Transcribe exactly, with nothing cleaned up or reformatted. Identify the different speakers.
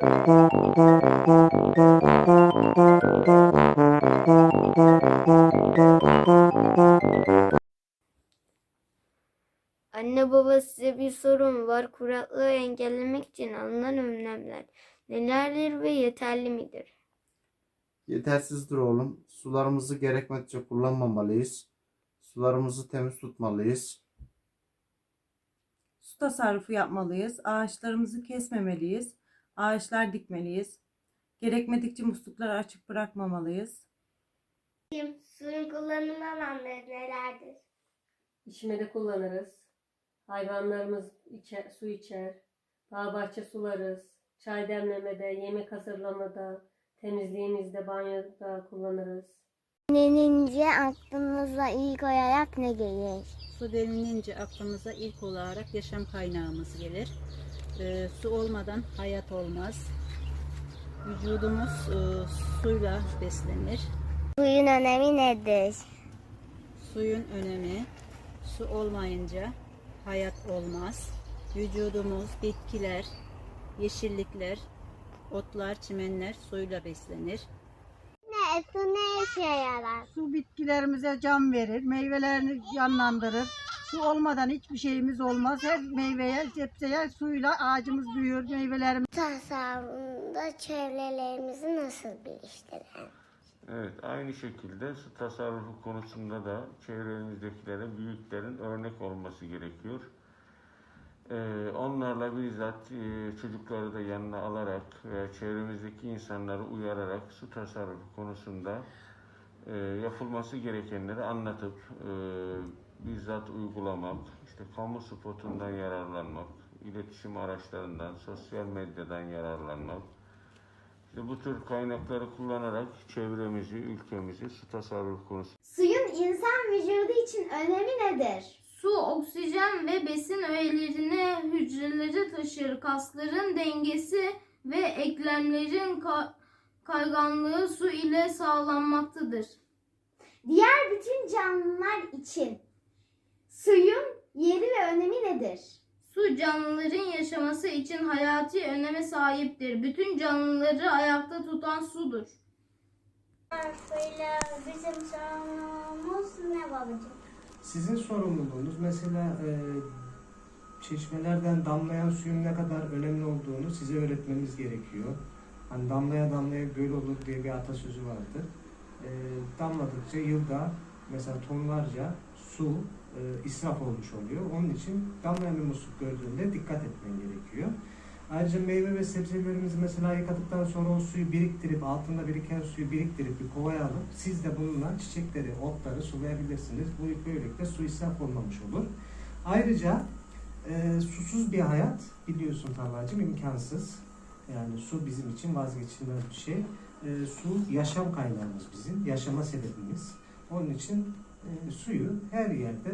Speaker 1: Anne baba, size bir sorum var. Kuraklığı engellemek için alınan önlemler nelerdir ve yeterli midir?
Speaker 2: Yetersizdir oğlum. Sularımızı gerekmedikçe kullanmamalıyız. Sularımızı temiz tutmalıyız.
Speaker 3: Su tasarrufu yapmalıyız. Ağaçlarımızı kesmemeliyiz. Ağaçlar dikmeliyiz. Gerekmedikçe muslukları açık bırakmamalıyız.
Speaker 1: Suyun kullanım alanları nelerdir?
Speaker 4: İçmede kullanırız. Hayvanlarımız içer, su içer. Bağ bahçe sularız. Çay demlemede, yemek hazırlamada, temizliğimizde, banyoda kullanırız.
Speaker 1: Denince aklınıza ilk olarak ne gelir?
Speaker 5: Su denilince aklımıza ilk olarak yaşam kaynağımız gelir. E, su olmadan hayat olmaz. Vücudumuz e, suyla beslenir.
Speaker 1: Suyun önemi nedir?
Speaker 5: Suyun önemi, su olmayınca hayat olmaz. Vücudumuz, bitkiler, yeşillikler, otlar, çimenler suyla beslenir.
Speaker 1: Ne, su ne işe yarar?
Speaker 6: Su bitkilerimize can verir, meyvelerini canlandırır. Su olmadan hiçbir şeyimiz olmaz. Her meyveye, sebzeye suyla ağacımız büyür, meyvelerimiz.
Speaker 1: Tasarrufunda çevrelerimizi nasıl geliştirelim?
Speaker 7: Evet, aynı şekilde su tasarrufu konusunda da çevremizdekilere büyüklerin örnek olması gerekiyor. Ee, onlarla bizzat e, çocukları da yanına alarak ve çevremizdeki insanları uyararak su tasarrufu konusunda e, yapılması gerekenleri anlatıp e, bizzat uygulamak, işte kamu spotundan yararlanmak, iletişim araçlarından, sosyal medyadan yararlanmak, işte bu tür kaynakları kullanarak çevremizi, ülkemizi su tasarrufu konusunda.
Speaker 8: Suyun insan vücudu için önemi nedir? Su, oksijen ve besin öğelerini hücrelere taşır. Kasların dengesi ve eklemlerin ka- kayganlığı su ile sağlanmaktadır. Diğer bütün canlılar için suyun yeri ve önemi nedir? Su canlıların yaşaması için hayati öneme sahiptir. Bütün canlıları ayakta tutan sudur.
Speaker 1: Suyla bizim sorunumuz ne babacığım?
Speaker 9: Sizin sorumluluğunuz mesela e, çeşmelerden damlayan suyun ne kadar önemli olduğunu size öğretmemiz gerekiyor. Hani damlaya damlaya göl olur diye bir atasözü vardır. E, damladıkça yılda mesela tonlarca su e, israf olmuş oluyor. Onun için damlayan bir musluk gördüğünde dikkat etmen gerekiyor. Ayrıca meyve ve sebzelerimizi mesela yıkadıktan sonra o suyu biriktirip, altında biriken suyu biriktirip bir kovaya alıp siz de bununla çiçekleri, otları sulayabilirsiniz. Bu böylelikle su israf olmamış olur. Ayrıca e, susuz bir hayat biliyorsun Talha'cığım imkansız. Yani su bizim için vazgeçilmez bir şey. E, su yaşam kaynağımız bizim, yaşama sebebimiz. Onun için e, suyu her yerde